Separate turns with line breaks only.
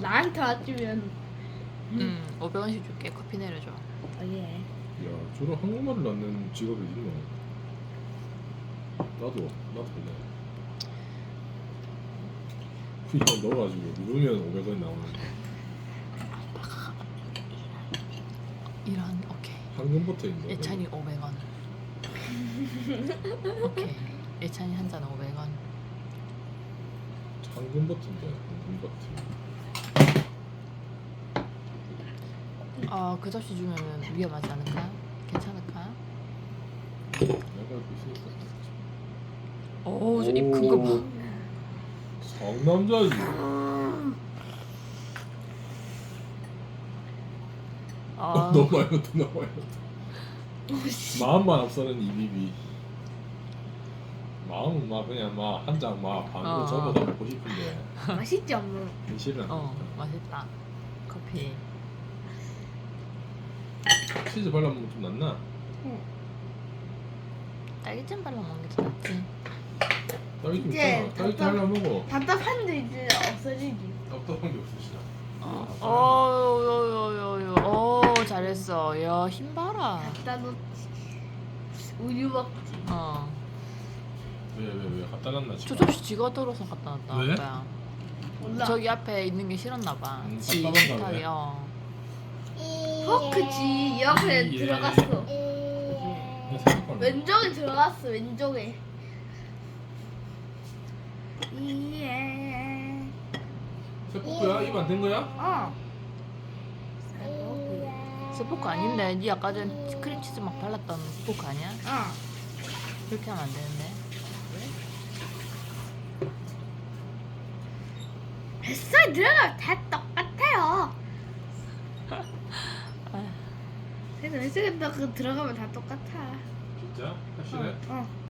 나한테 왔으면
500원씩 줄게. 커피 내려줘.
예.
야, 저런 한국말을 낳는 직업이 있노? 나도 볼래. 그냥 넣어가지고 누르면 500원 나오는데
이런 오케이.
황금버터인데.
예찬이 500원. 오케이. 예찬이 한 잔 500원.
황금버터인데 황금버터.
그 접시 주면은 위험하지 않을까? 괜찮을까?
내가 알고 있으니까.
오, 저입 큰 거 봐.
상남자지. 너무 많이 넣었다, 너무 많이 넣었다. 마음만 앞서는 이비비. 마음은 막 그냥 막 한 장 막 반으로 접어서 먹고 싶은데
맛있지 엄마.
현실은 안 된다.
맛있다. 커피.
치즈 발라먹으면 좀 낫나?
딸기잼 발라 먹는 게 더 낫지.
딸기 좀
이제
있잖아. 딸기 하나 먹어.
답답한데 이제 없어지지.
답답한 게 없으시나?
잘했어. 야, 힘 봐라.
갖다 놓지. 우유 먹지.
왜 갖다 놨나
저
지금?
접시 지가 들어서 갖다 놨다.
왜?
아빠야.
몰라.
저기 앞에 있는 게 싫었나 봐. 지
답답한가
식탁이.
왜?
포크지 옆에
예.
들어갔어.
내 생각하는
왼쪽에 들어갔어. 왼쪽에. 예.
세포크야? 입 안 된 거야?
어.
스포크 아닌데? 니 아까 전 크림치즈 막 발랐던 스포크 아니야?
어.
그렇게 하면 안 되는데.
뱃살 들어가면 다 똑같아요. 그래서 뱃속에 들어가면 다 똑같아.
진짜? 확실해?
어.